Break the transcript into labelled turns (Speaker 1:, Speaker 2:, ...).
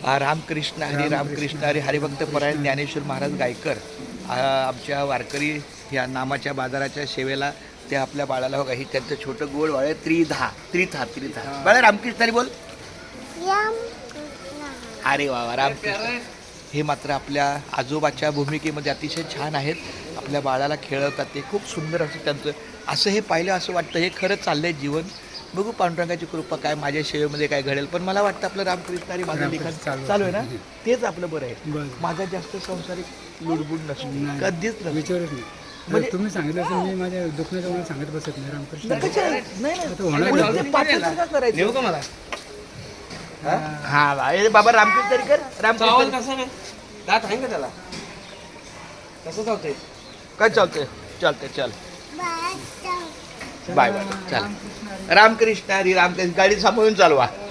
Speaker 1: रामकृष्ण हरी रामकृष्ण हरी हरिभक्त परायण ज्ञानेश्वर महाराज गायकर आमच्या वारकरी या नामाच्या बाजाराच्या सेवेला ते आपल्या बाळाला बघा ही त्यांचं छोटं गोड बाळ आहे त्रिथा बाळा रामकृष्ण हरी बोल. अरे वा रामकृष्ण. हे मात्र आपल्या आजोबाच्या भूमिकेमध्ये अतिशय छान आहेत. आपल्या बाळाला खेळवतात ते खूप सुंदर असं त्यांचं असं हे पाहिलं असं वाटतं हे खरं चाललंय जीवन. बघू पांडुरंगाची कृपा काय माझ्या सेवेमध्ये काय घडेल. पण मला वाटतं आपलं रामकृष्ण हरी माझं लिखाण चालू आहे ना तेच आपलं बरं आहे. माझा जास्त संसारिक लुडबुड नसतो कधीच नसतो.
Speaker 2: म्हणजे तुम्ही सांगितलं असं मी माझ्या दुखण्याचं मला सांगत बसत नाही रामकृष्ण
Speaker 1: हा बाबा रामकृष्ण हरी कर. रामकृष्ण
Speaker 3: कसं नाही दात आहे का त्याला कसं चालतंय
Speaker 1: काय चालतंय चालतंय चल बाय बाय चल. रामकृष्ण हरी रामकृष्ण गाडी सांभाळून चालवा.